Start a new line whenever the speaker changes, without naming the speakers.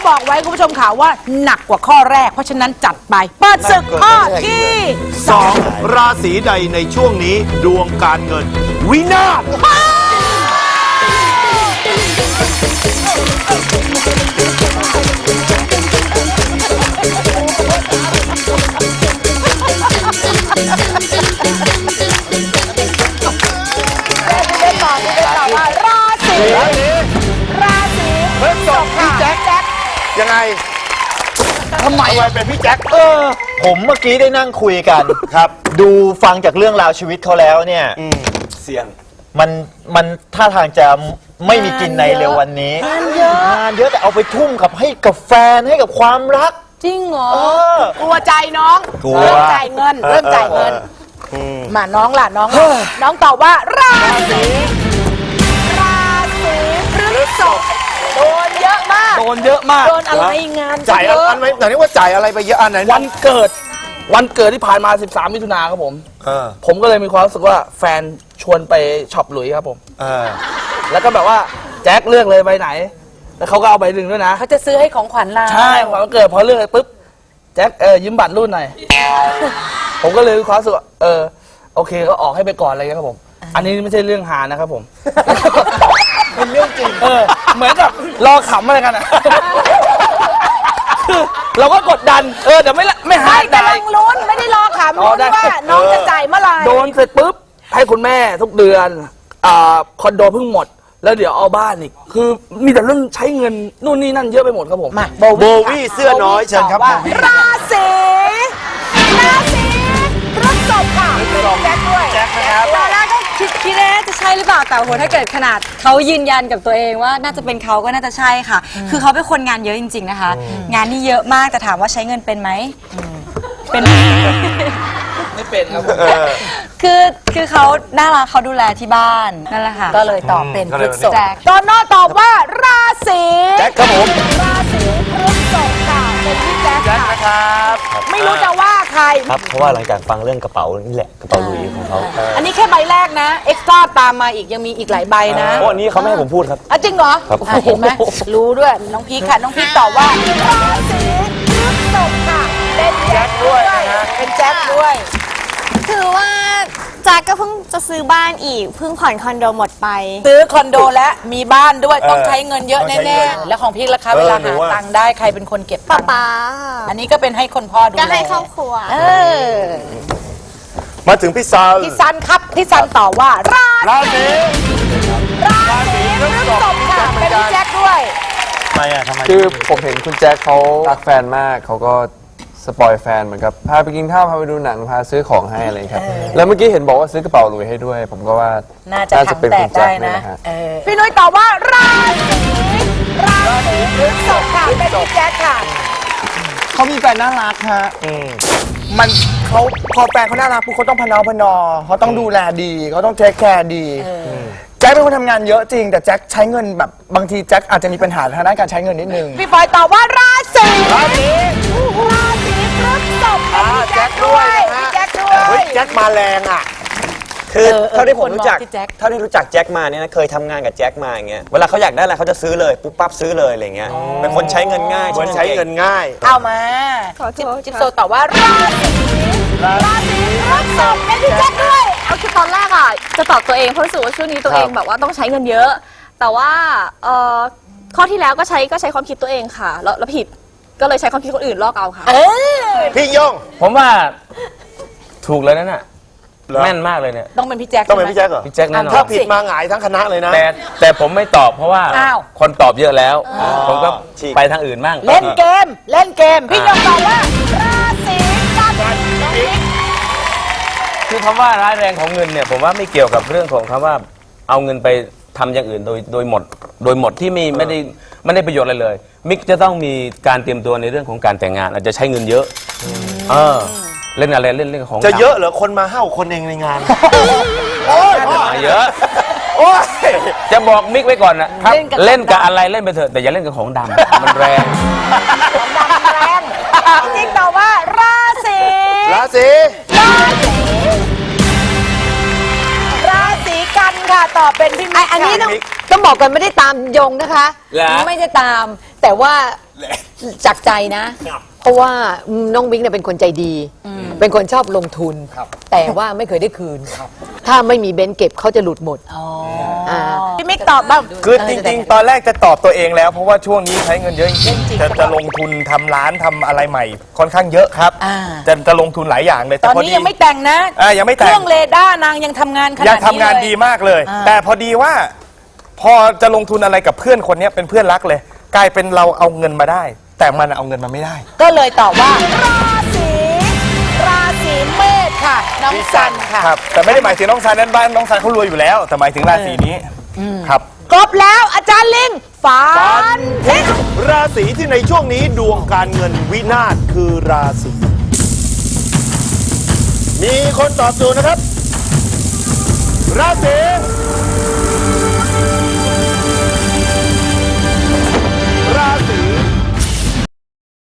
บอกไว้คุณผู้ชมค่ะว่าหนักกว่าข้อแรกเพราะฉะนั้นจัดไปเปิดศึกข้อที่
2ราศีใดในช่วงนี้ดวงการเงินวินาศ
พฤษภพี่แจ็คยังไงทำไมเป็นพี่แจ็ค
ผมเมื่อกี้ได้นั่งคุยกันครับดูฟังจากเรื่องราวชีวิตเขาแล้วเนี่ย
เสี่ยง
มันท่าทางจะไม่มีกินในเร็ววันนี้งานเยอะแต่เอาไปทุ่มให้กับแฟนให้กับความรัก
จริงเหรอกลัวใจน้องเริ่มจ่ายเงินมาน้องล่ะน้องตอบว่าราศีพฤษภโดนเยอะมากโดนอะไรงาน
จ่ายอันไหนไหนว่าจ่ายอะไรไปเยอะอันไหน
วันเกิดที่ผ่านมา13 มิถุนาครับผมก็เลยมีความรู้สึกว่าแฟนชวนไปช็อปหลุยส์ครับผมแล้วก็แบบว่าแจ็คเลือกเลยใบไหนแล้วเขาก็เอาใบหนึ่งด้วยนะ
เขาจะซื้อให้ของขวัญเรา
ใช่วันเกิดพอเลือกปุ๊บแจ็คยืมบัตรรุ่นหน่อยผมก็เลยมีความรู้สึกโอเคก็ออกให้ไปก่อนอะไรเงี้ยครับผมอันนี้ไม่ใช่เรื่องหานะครับผม
เป็นเรื่องจริง
เหมือนกับรอขำอะไรกันอ่ะเราก็กดดันแต่ไม่หาย
กำลังลุ้นไม่ได้รอขำลุ้นว่าน้องจะจ่ายเมื่อไหร่
โดนเสร็จปุ๊บให้คุณแม่ทุกเดือนคอนโดเพิ่งหมดแล้วเดี๋ยวเอาบ้านอีกคือมีแต่เรื่องใช้เงินนู่นนี่นั่นเยอะไปหมดครับผม
มา
โบวี่เสื้อน้อยเชิญครับ
ราศีพฤษภค่ะแจ็คด้วย
แจ็คนะครับ
ตอนแรกก็คิดว่าจะใช่หรือเปล่าแต่โหถ้าเกิดขนาดเขายืนยันกับตัวเองว่าน่าจะเป็นเขาก็น่าจะใช่ค่ะคือเขาเป็นคนงานเยอะจริงๆนะคะงานนี่เยอะมากแต่ถามว่าใช้เงินเป็นไหมเป็น
ไม่เป็นครับ
คือเขาน่ารักเขาดูแลที่บ้านนั่นแหละค่ะ
ก็เลยตอบเป็นพฤษภตอนน้อตอบว่าราศี
แจ็คครับผม
ราศีพฤษภค่ะเป็นพี่แจ็ค
นะครับ
ไม่รู้จะว่าใคร
ครับเพราะว่าหลังจากฟังเรื่องกระเป๋านี่แหละกระเป๋าหลุยส์ของเขา
อันนี้แค่ใบแรกนะเอ็กซ์ตร้าตามมาอีกยังมีอีกหลายใบนะ
เพราะอันนี้เขาไม่ให้ผมพูดครับ
จริงเหรอเห็นไหมรู้ด้วยน้องพีคค่ะน้องพีคตอบว่าราศีพฤษภค่ะเป็นแจ็คด้วยเป็นแจ็คด้วย
คือว่าแจ็คก็เพิ่งจะซื้อบ้านอีกเพิ่งผ่อนคอนโดหมดไป
ซื้อคอนโดและมีบ้านด้วยต้องใช้เงินเยอะแน่ๆแล้วของพี่ราคาเวลาหาตังค์ได้ใครเป็นคนเก็บตังค์
ป๊า
อันนี้ก็เป็นให้คนพ่อดูแล
ก็ให้ครอบครัว
มาถึงพี่ซัน
ครับพี่ซันตอบว่า
ราศี
พฤษภค่ะเป็นพี่แจ็คด้วย
ทำไม
คือผมเห็นคุณแจ็คเขารักแฟนมากเขาก็สปอยแฟนเหมือนกับพาไปกินข้าวพาไปดูหนังพาซื้อของให้อะไรครับแล้วเมื่อกี้เห็นบอกว่าซื้อกระเป๋าหลุยให้ด้วยผมก็ว่า
น่าจะเป็นคุณแจ็คได้นะพี่นุ้ยตอบว่าราศีพฤษภค่ะเป็นพี่แจ็คค่ะ
เขามีแฟนน่ารักฮะมันเขาพอแฟนเขาน่ารักปุ๊บเขาต้องพนอเขาต้องดูแลดีเขาต้องเทคแคร์ดีแจ็คเป็นคนทำงานเยอะจริงแต่แจ็คใช้เงินแบบบางทีแจ็คอาจจะมีปัญหาทางด้านการใช้เงินนิดนึง
พี่ฟอยตอบว่าราศีพฤษภเป็นพี่แจ็คด้วยพี่แจ็คด้วย
แจ็คมาแรงอ่ะ
คือเท่าที่ผมรู้จักแจ็คมาเนี่ยนะเคยทำงานกับแจ็คมาอย่างเงี้ยเวลาเขาอยากได้อะไรเขาจะซื้อเลยปุ๊บปั๊บซื้อเลยอะไรเงี้ยเป็นคนใช้เงินง่าย
เหมือนใช้เงินง่าย
เอามาจิ๊บโซตอบว่าราศีพฤษภเป็นพี่แจ็คด้วย
คือตอนแรกอ่ะจะตอบตัวเองเพราะรู้สึกว่าช่วงนี้ตัวเองแบบว่าต้องใช้เงินเยอะแต่ว่าข้อที่แล้วก็ใช้ความคิดตัวเองค่ะแล้วผิดก็เลยใช้ความคิดคนอื่นลอกเอาค่ะ
พี่ย่ง
ผมว่าถูกเลยนั่นน่ะแม่นมากเลยเนี่ย
ต้องเป็นพี่แจ็ค
ต้องเป็นพี่แจ็คเหรอ
พี่แจ็คแน่นอน
ถ้าผิดมาหงายทั้งคณะเลยนะ
แต่ผมไม่ตอบเพราะว่าคนตอบเยอะแล้วผมก็ไปทางอื่นบ้าง
เล่นเกมพี่ย่งตอบว่าราศีกัน
คือคำว่าร้ายแรงของเงินเนี่ยผมว่าไม่เกี่ยวกับเรื่องของคำว่าเอาเงินไปทำอย่างอื่นโดยหมดที่ไม่ได้ประโยชน์อะไรเลยมิกจะต้องมีการเตรียมตัวในเรื่องของการแต่งงานอาจจะใช้เงินเยอะเล่นอะไรเล่นของ
จะเยอะเหรอคนมา5 คนเองในงาน
โอ้ยเยอะโอ้ยจะบอกมิกไว้ก่อนนะเล่นกับอะไรเล่นไปเถอะแต่อย่าเล่นกับของดำมันแรง
ของดำแรงจริงตอบว่าราศีกันค่ะตอบเป็นพี่มิก
อันนี้ต้องบอกกันไม่ได้ตามยงนะคะไม่ได้ตามแต่ว่า
จากใจนะ เพราะว่าน้องบิ๊กเนี่ยเป็นคนใจดี เป็นคนชอบลงทุน แต่ว่าไม่เคยได้คืน ถ้าไม่มีเบนซ์เก็บเขาจะหลุดหมด
พี่มิกตอบบ้าง
คือจริงๆ ตอนแรกจะตอบตัวเองแล้ว เพราะว่าช่วงนี้ใช้เงินเยอะจริงๆจะลงทุนทำร้านทำอะไรใหม่ ค่อนข้างเยอะครับ จะลงทุนหลายอย่างเลย
ตอนนี้ยังไม่แต่งนะ
ยังไม่แต่ง
เครื่องเรดาร์นางยังทำงานขนาดนี้
ยังทำงานดีมากเลย แต่พอดีว่า พอจะลงทุนอะไรกับเพื่อนคนนี้เป็นเพื่อนรักเลย กลายเป็นเราเอาเงินมาได้ แต่มันเอาเงินมาไม่ได้
ก็เลยตอบว่า ราศีเมษค่ะ น้องซันค่ะ
ครับ แต่ไม่ได้หมายถึงน้องซันนั้นบ้านน้องซันเขารวยอยู่แล้ว แต่หมายถึงราศีนี้ครับ
ครบแล้วอาจารย์ลิงฝันทิ้ง
ราศีที่ในช่วงนี้ดวงการเงินวินาศคือราศีมีคนตอบถูกนะครับ ราศี